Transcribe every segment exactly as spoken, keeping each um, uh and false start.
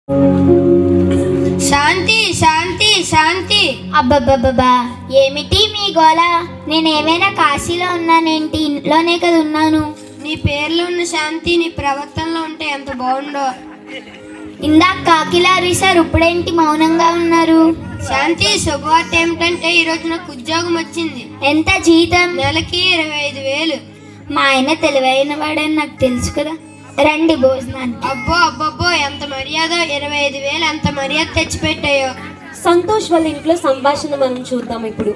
శాంతి శాంతి శాంతి. అబ్బబ్బబ్బా, ఏమిటి మీ గోల? నేను ఏమైనా కాశీలో ఉన్నానేంటి? ఇంట్లోనే కదా ఉన్నాను. నీ పేర్లో ఉన్న శాంతి నీ ప్రవర్తనలో ఉంటే ఎంత బాగుండో. ఇందాక కాకిలా అరిశారు, ఇప్పుడేంటి మౌనంగా ఉన్నారు? శాంతి, శుభవార్త ఏమిటంటే ఈరోజు నాకు ఉద్యోగం వచ్చింది. ఎంత జీతం? నెలకి ఇరవై ఐదు వేలు. మా ఆయన తెలివైన వాడని నాకు తెలుసు కదా. రండి భోజనాన్ని. అబ్బో అబ్బబ్బో, ఎంత మర్యాద! ఇరవై ఐదు వేలు ఎంత మర్యాద తెచ్చిపెట్టాయో. సంతోష్ వాళ్ళ ఇంట్లో సంభాషణ మనం చూద్దాం ఇప్పుడు.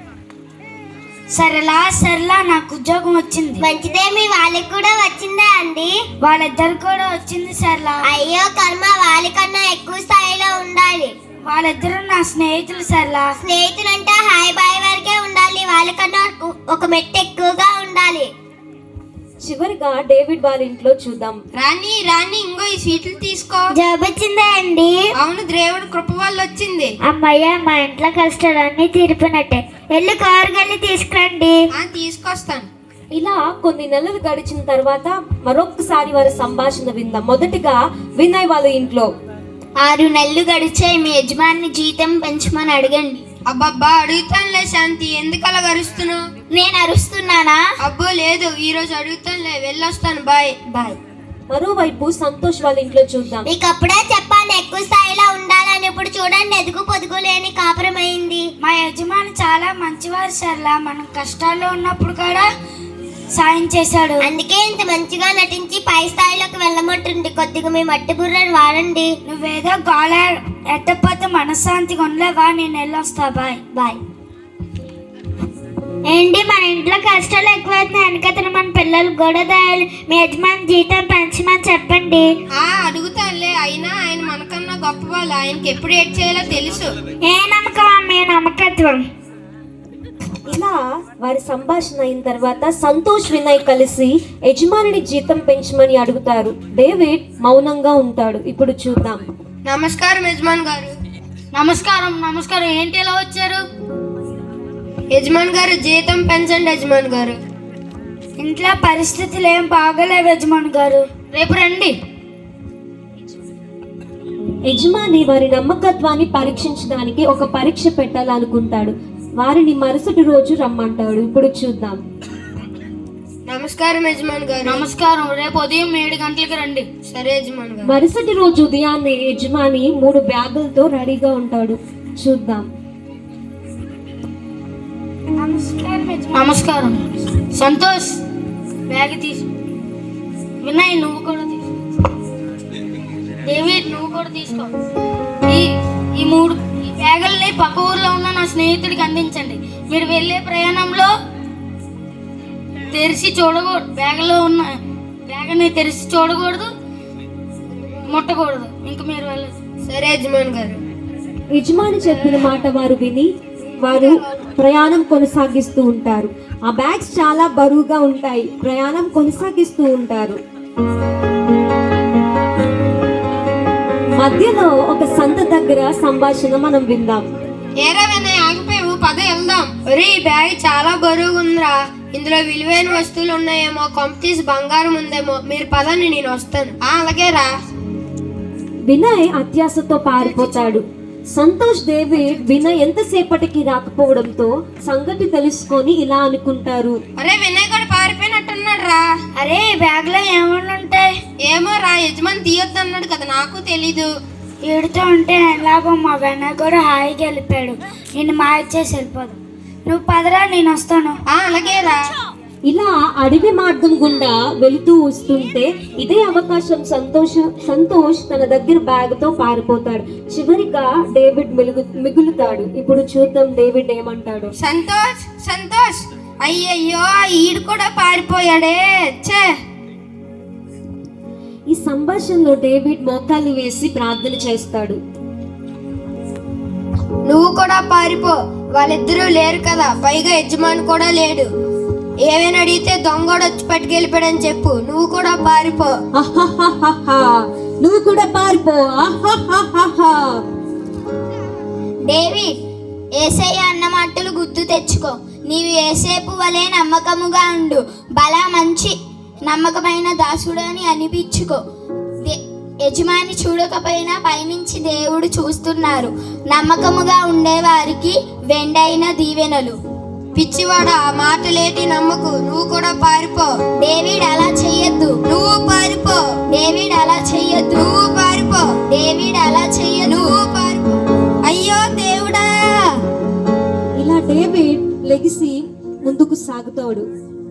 సరళా సరళా, నాకు ఉద్యోగం వచ్చింది. మంచిదే, మీ వాళ్ళకి కూడా వచ్చిందా అండి? వాళ్ళిద్దరు కూడా వచ్చింది సరళా. అయ్యో కర్మ, వాళ్ళకన్నా ఎక్కువ స్థాయిలో ఉండాలి. వాళ్ళిద్దరు నా స్నేహితులు సరళా. స్నేహితులు అంటే హాయ్ బాయ్ వరకే ఉండాలి, వాళ్ళకన్నా ఒక మెట్టు ఎక్కువగా ఉండాలి. చివరిగా డేవిడ్ వాళ్ళ ఇంట్లో చూద్దాం. రాణి రాణి, ఇంకో ఈ సీట్లు తీసుకో. జాబ్ వచ్చిందా అండి? అవును, దేవుడు కృప వల్ల వచ్చింది. అమ్మయ్య, మా ఇంట్లో కష్టాలన్నీ తీరిపోయినట్టే. వెళ్ళి కారుకెళ్ళి తీసుకురండి. తీసుకొస్తాను. ఇలా కొన్ని నెలలు గడిచిన తర్వాత మరొకసారి వారి సంభాషణ విందాం. మొదటిగా వినయ్ వాళ్ళ ఇంట్లో. ఆరు నెలలు గడిచాయి, మీ యజమాని జీతం పెంచమని అడగండి. అబ్బబ్బా, అడుగుతానులే శాంతి, ఎందుకు అలా అరుస్తున్నావు? నేను అరుస్తున్నానా? అబ్బో లేదు, ఈ రోజు అడుగుతానులే, వెళ్ళొస్తాను. Bye bye. మరోవైపు సంతోష్ వాళ్ళ ఇంట్లో చూద్దాం. మీకు అప్పుడే చెప్పాను ఎక్కువ స్థాయిలో ఉండాలని. ఇప్పుడు చూడండి, ఎదుగు పొదుగు లేని కాపురం అయింది. మా యజమాని చాలా మంచివారు సర్లా, మనం కష్టాల్లో ఉన్నప్పుడు కూడా సాయం చేశాడు. అందుకే ఇంత మంచిగా నటించి పై స్థాయిలోకి వెళ్ళమంటుంది. కొద్దిగా మీ మట్టి బుర్రని వాడండి. నువ్వేదో గోళ ఎట్టపోతే మనశ్శాంతిగా ఉండలేవా? నేను వెళ్ళొస్తా. Bye bye. ఏంటి, మన ఇంట్లో కష్టాలు ఎక్కువైతున్నాయి. వెనకతను మన పిల్లలు గొడవ దాయాలి. మీ యజమాని జీతం పెంచమని చెప్పండి. ఆ అడుగుతానులే, అయినా ఆయన మనకన్నా గొప్ప వాళ్ళు, ఆయనకి ఎప్పుడు ఏడ్ చేయాలో తెలుసు. ఏ నమ్మకం మీ నమ్మకత్వం. ఇలా వారి సంభాషణ అయిన తర్వాత సంతోష్ వినయ్ కలిసి యజమానిని జీతం పెంచమని అడుగుతారు. డేవిడ్ మౌనంగా ఉంటాడు. ఇప్పుడు చూద్దాం. నమస్కారం యజమాన్ గారు. నమస్కారం నమస్కారం. ఏంటి ఎలా వచ్చారు? యజమాన్ గారు, జీతం పెంచండి యజమాన్ గారు. ఇంట్లో పరిస్థితులు ఏం బాగలేవు యజమాన్ గారు. రేపు రండి. యజమాని వారి నమ్మకత్వాన్ని పరీక్షించడానికి ఒక పరీక్ష పెట్టాలనుకుంటాడు. వారిని మరుసటి రోజు రమ్మంటాడు. ఇప్పుడు చూద్దాం. నమస్కారం యజమాన్ గారు. నమస్కారం. రేపు ఉదయం ఏడు గంటలకి రండి. సరే యజమాన్ గారు. మరుసటి రోజు ఉదయాన్నే యజమాని మూడు బ్యాగులతో రెడీగా ఉంటాడు. చూద్దాం. నమస్కారం. సంతోష్, బ్యాగ్ తీసు. వినయ్, నువ్వు కూడా తీసుకో. డేవిడ్, నువ్వు కూడా తీసుకో. ఈ ఈ మూడు ఈ బ్యాగుల్ని పక్క ఊర్లో ఉన్న నా స్నేహితుడికి అందించండి. మీరు వెళ్ళే ప్రయాణంలో తెరిచి చూడకూడదు. బ్యాగ్లో ఉన్న బ్యాగ్ని తెరిచి చూడకూడదు, ముట్టకూడదు. ఇంక మీరు వెళ్ళదు. సరే యజమాన్ గారు. యజమాని చెప్పిన మాట వారు విని వారు ప్రయాణం కొనసాగిస్తూ ఉంటారు. ఆ బ్యాగ్స్ చాలా బరువుగా ఉంటాయి. ప్రయాణం కొనసాగిస్తూ ఉంటారు. మధ్యలో ఒక సంత దగ్గర సంభాషణ మనం విందాం. ఏరా వినయ్, ఆగిపోయావు, పద వెళ్దాం. ఒరే, ఈ బ్యాగ్ చాలా బరువుగా ఉందిరా. ఇందులో విలువైన వస్తువులు ఉన్నాయేమో, కొంపతీసి బంగారం ఉందేమో. మీరు పదండి, నేను వస్తాను. ఆ అలాగే రా. వినయ్ అత్యాశతో పారిపోతాడు. సంతోష్, డేవిడ్ వినయ్ ఎంతసేపటికి రాకపోవడంతో సంగతి తెలుసుకొని ఇలా అనుకుంటారు. అరే, వినయ్ కూడా పారిపోయినట్టున్నాడు రా. అరే, బ్యాగ్ లో ఏమన్నా ఉంటాయి? ఏమో రా, యజమాని తీయొద్దు అన్నాడు కదా, నాకు తెలీదు. ఏడుతో ఉంటే ఎలాగో మా వెన్న కూడా హాయిగా వెళ్ళిపోయాడు. నేను మాయ చేసి వెళ్ళిపోదు. నువ్వు పదరా, నేను వస్తాను. ఆ అలాగే రా. ఇలా అడవి మార్గం గుండా వెళుతూ వస్తుంటే ఇదే అవకాశం సంతోష్ సంతోష్ తన దగ్గర బ్యాగ్ తో పారిపోతాడు. చివరిగా డేవిడ్ మిలుగు మిగులుతాడు. ఇప్పుడు చూద్దాం డేవిడ్ ఏమంటాడు. సంతోష్ సంతోష్, అయ్యయ్యో, ఈడు కూడా పారిపోయాడే. ఛే. ఈ సంభాషణలో డేవిడ్ మోకాలు వేసి ప్రార్థన చేస్తాడు. నువ్వు కూడా పారిపో, వాళ్ళిద్దరూ లేరు కదా, పైగా యజమాని కూడా లేడు. ఏమైనా అడిగితే దొంగోడు వచ్చి పట్టుకెళ్ళిపోయాడని చెప్పు. నువ్వు కూడా పారిపో. నువ్వు కూడా పారిపో. డేవిడ్, యేసయ్య అన్న మాటలు గుర్తు తెచ్చుకో. నీవు యేసేపు వలె నమ్మకముగా ఉండు. బలా మంచి నమ్మకమైన దాసుడు అని అనిపించుకో. యజమాని చూడకపోయినా పైనుంచి దేవుడు చూస్తున్నారు. నమ్మకముగా ఉండేవారికి వెండైన దీవెనలు. పిచ్చివాడా, ఆ మాటలేటి నమ్మకు, నువ్వు కూడా పారిపో. డేవిడ్ అలా చెయ్యొద్దు. నువ్వు పారిపో. డేవిడ్ అలా చెయ్యొద్దు. నువ్వు పారిపో. డేవిడ్ అలా చెయ్యొద్దు. నువ్వు పారిపో. అయ్యో దేవుడా! ఇలా డేవిడ్ లెగిసి ముందుకు సాగుతాడు.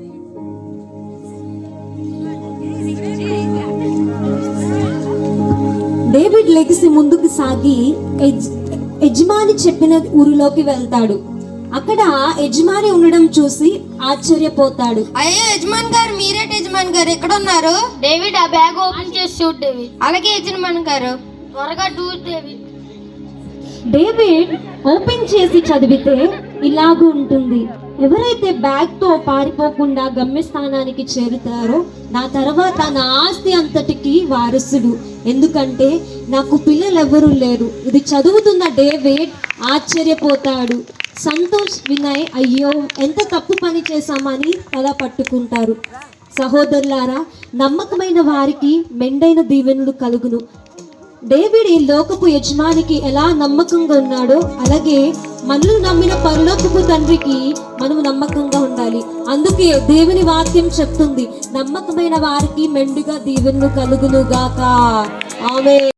డేవిడ్ లెగిసి ముందుకు సాగి యజ్- యజమాని చెప్పిన ఊరిలోకి వెళ్తాడు. అక్కడ యజమాని ఉండడం చూసి ఆశ్చర్యపోతాడు. అయ్యో యజమాన్ గారు, మీరేటి యజమాన్ గారు ఎక్కడ ఉన్నారు? డేవిడ్ ఆ బ్యాగ్ ఓపెన్ చేసి చూడు డేవిడ్. అలాగే యజమాన్ గారు. త్వరగా చూడు డేవిడ్. డేవిడ్ ఓపెన్ చేసి చదివితే ఇలాగూ ఉంటుంది. ఎవరైతే బ్యాగ్ తో పారిపోకుండా గమ్యస్థానానికి చేరుతారో నా తర్వాత నా ఆస్తి అంతటికి వారసుడు. ఎందుకంటే నాకు పిల్లలెవరూ లేరు. ఇది చదువుతున్న డేవిడ్ ఆశ్చర్యపోతాడు. సంతోష్, వినయ్ అయ్యో ఎంత తప్పు పని చేశామని తల పట్టుకుంటారు. సహోదరులారా, నమ్మకమైన వారికి మెండైన దీవెనలు కలుగును. డేవిడ్ ఈ లోకపు యజమానికి ఎలా నమ్మకంగా ఉన్నాడో అలాగే మనల్ని నమ్మిన పరలోకపు తండ్రికి మనం నమ్మకంగా ఉండాలి. అందుకే దేవుని వాక్యం చెప్తుంది, నమ్మకమైన వారికి మెండుగా దీవెనలు కలుగును గాక. ఆమేన్.